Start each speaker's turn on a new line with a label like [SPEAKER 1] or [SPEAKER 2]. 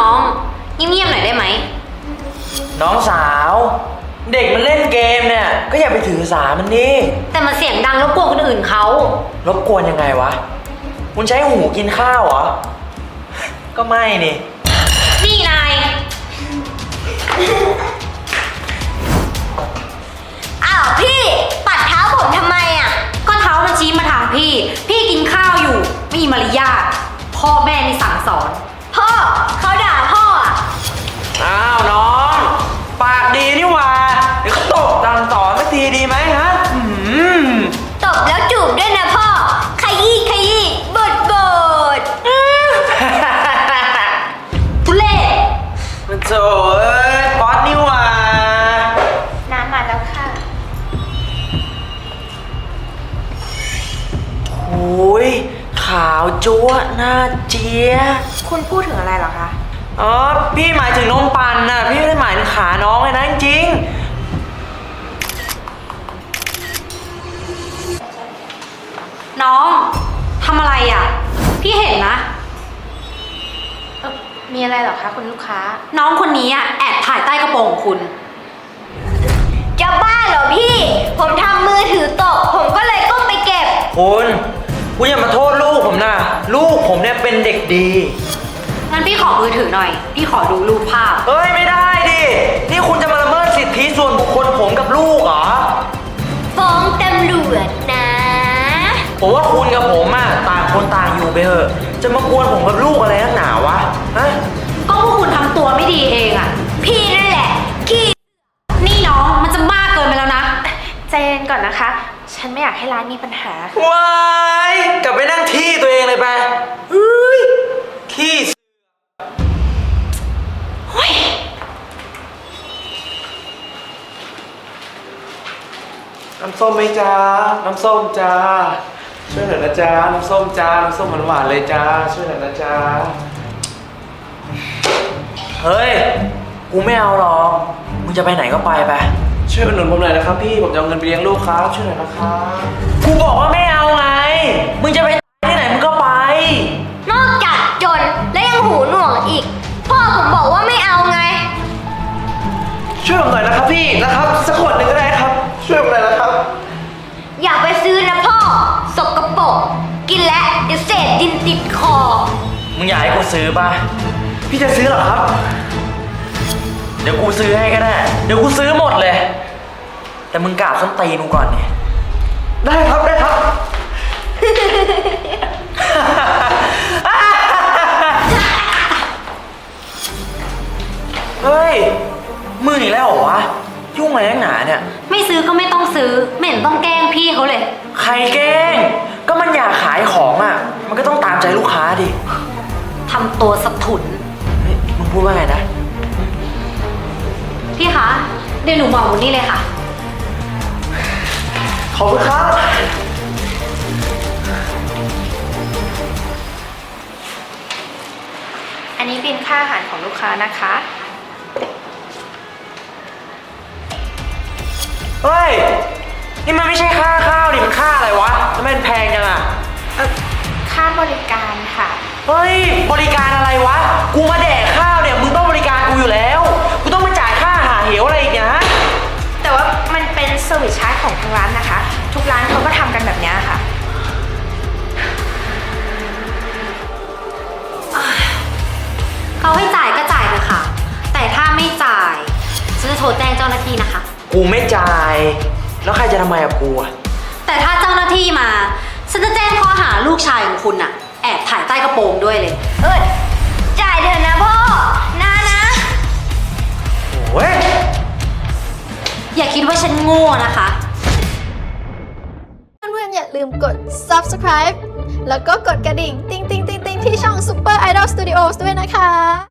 [SPEAKER 1] น้องเงียบๆหน่อยได้ไหม
[SPEAKER 2] น้องสาวเด็กมันเล่นเกมเนี่ยก็อย่าไปถือสามันดิ
[SPEAKER 1] แต่มันเสียงดังรบกวนคนอื่นเขา
[SPEAKER 2] รบกวนยังไงวะคุณใช้หูกินข้าวเหรอก็ไม่
[SPEAKER 1] นี่นาย
[SPEAKER 3] อ้าวพี่ปัดเท้าผมทำไมอ่ะ
[SPEAKER 1] ก็เท้ามันชี้มาทางพี่กินข้าวอยู่ไม่มีมารยาทพ่อแม่นี่สั่งสอน
[SPEAKER 3] พ่อเขาด่าพ่ออ่ะ
[SPEAKER 2] อ้าวน้องปากดีนี่หว่าเดี๋ยวเขาตบดังต่อสักทีดีไหมฮะ
[SPEAKER 3] ตบแล้วจูบด้วยนะพ่อขยี้บด
[SPEAKER 1] ทุเล่
[SPEAKER 2] มันโจ้ป๊อตนี่หว่า
[SPEAKER 3] น้ำมาแล้วค่ะ
[SPEAKER 2] โอ้ยขาวจั๊วหน้าเจี๊ย
[SPEAKER 3] คุณพูดถึงอะไรเหรอคะ
[SPEAKER 2] อ๋อพี่หมายถึงนมปั่นน่ะพี่ไม่ได้หมายถึงขาน้องเลยนะจริง
[SPEAKER 1] น้องทำอะไรอ่ะพี่เห็นนะ
[SPEAKER 3] มีอะไรเหรอคะคุณลูกค้า
[SPEAKER 1] น้องคนนี้อ่ะแอบถ่ายใต้กระโปรงของคุณ
[SPEAKER 3] จะบ้าเหรอพี่ผมทำมือถือตกผมก็เลยก้มไปเก็บ
[SPEAKER 2] คุณอย่ามาโทษลูกผมนะลูกผมเนี่ยเป็นเด็กดี
[SPEAKER 1] งั้นพี่ขอมือถือหน่อยพี่ขอดูรูปภาพ
[SPEAKER 2] เอ้ยไม่ได้ดินี่คุณจะมาละเมิดสิทธิส่วนบุคคลผมกับลูกเหรอ
[SPEAKER 3] ฟ้องตำรวจนะ
[SPEAKER 2] ผมว่าคุณกับผมอ่ะต่างคนต่างอยู่ไปเถอะจะมากวนผมกับลูกอะไรนักหนาวะฮะ
[SPEAKER 1] ก็พวกคุณทำตัวไม่ดีเองอ่ะ
[SPEAKER 3] พี่นั่นแหละขี้
[SPEAKER 1] นี่น้องมันจะมากเกินไปแล้วนะ
[SPEAKER 3] ใจเย็นก่อนนะคะฉันไม่อยากให้ร้านมีปัญหา
[SPEAKER 2] ว้ายกลับไปนั่งที่ตัวเองเลยไปเฮ้ยขี้น้ำส้มไหมจ้าน้ำส้มจ้าช่วยหน่อยนะจ้าน้ำส้มจ้าน้ำส้มหวานๆเลยจ้าช่วยหน่อยนะจ้าเฮ้ยกูไม่เอาหรอกมึงจะไปไหนก็ไปช่วยอุดหนุนผมหน่อยนะครับพี่ผมจะเอาเงินไปเลี้ยงลูกครับช่วยหน่อยนะครับกูบอกว่าไม่เอาไงมึงจะไปที่ไหนมึงก็ไป
[SPEAKER 3] นอกจากจนและยังหูหนวกอีกพ่อผมบอกว่าไม่เอาไง
[SPEAKER 2] ช่วยผมหน่อยนะครับพี่นะครับสักขวดหนึ่งก็ได้ครับช่วยผมหน่อยนะครับ
[SPEAKER 3] อย่าไปซื้อนะพ่อสกปรกกินแล้วเดี๋ยวเศษดินติดคอ
[SPEAKER 2] มึงอยากให้กูซื้อป่ะพี่จะซื้อหรอครับเดี๋ยวกูซื้อให้ก็ได้เดี๋ยวกูซื้อหมดเลยแต่มึงกราบส้นตีนกูก่อนเนี่ยได้ครับเฮ้ยมึงอีกแล้วเหรอวะยุ่งอะไรนักหนาเนี่ย
[SPEAKER 1] ไม่ซื้อก็ไม่ต้องซื้อไม่เห็นต้องแกล้งพี่เขาเลย
[SPEAKER 2] ใครแกล้งก็มันอยากขายของอ่ะมันก็ต้องตามใจลูกค้าดิ
[SPEAKER 1] ทำตัวสะทุน
[SPEAKER 2] มึงพูดว่าไงนะ
[SPEAKER 1] พี่คะเดี๋ยวหนูบอกคุณนี่เลยค่ะ
[SPEAKER 2] ขอบคุณครับ
[SPEAKER 3] อันนี้บิลค่าอาหารของลูกค้านะคะ
[SPEAKER 2] เฮ้ยนี่มันไม่ใช่ค่าข้าวนี่มันค่าอะไรวะทำไมมันแพงจังอะ
[SPEAKER 3] ค่าบริการค่ะ
[SPEAKER 2] เฮ้ยบริการอะไรวะกูมาแดกข้าวเนี่ยมึงต้องบริการกูอยู่แล้วกูต้องมาจ่ายค่าอาหารเหวอะไรอีกนะ
[SPEAKER 3] แต่ว่ามันเป็นเซอร์วิสชาร์จของทางร้านนะคะทุกร้านเขาก็ทำกันแบบนี้ค่ะ
[SPEAKER 1] เขาให้จ่ายก็จ่ายเลยค่ะแต่ถ้าไม่จ่ายฉันจะโทรแจ้งเจ้าหน้าที่นะคะ
[SPEAKER 2] กูไม่จ่ายแล้วใครจะทำไมกับกูอะ
[SPEAKER 1] แต่ถ้าเจ้าหน้าที่มาฉันจะแจ้งข้อหาลูกชายของคุณอะแอบถ่ายใต้กระโปรงด้วยเลย
[SPEAKER 3] จ่ายเถอะนะพ่อนะ
[SPEAKER 2] โอ้ย
[SPEAKER 1] อย่าคิดว่าฉันโง่นะคะ
[SPEAKER 4] เพื่อนๆอย่าลืมกด subscribe แล้วก็กดกระดิ่งติ๊งๆๆๆที่ช่อง Super Idol Studios ด้วยนะคะ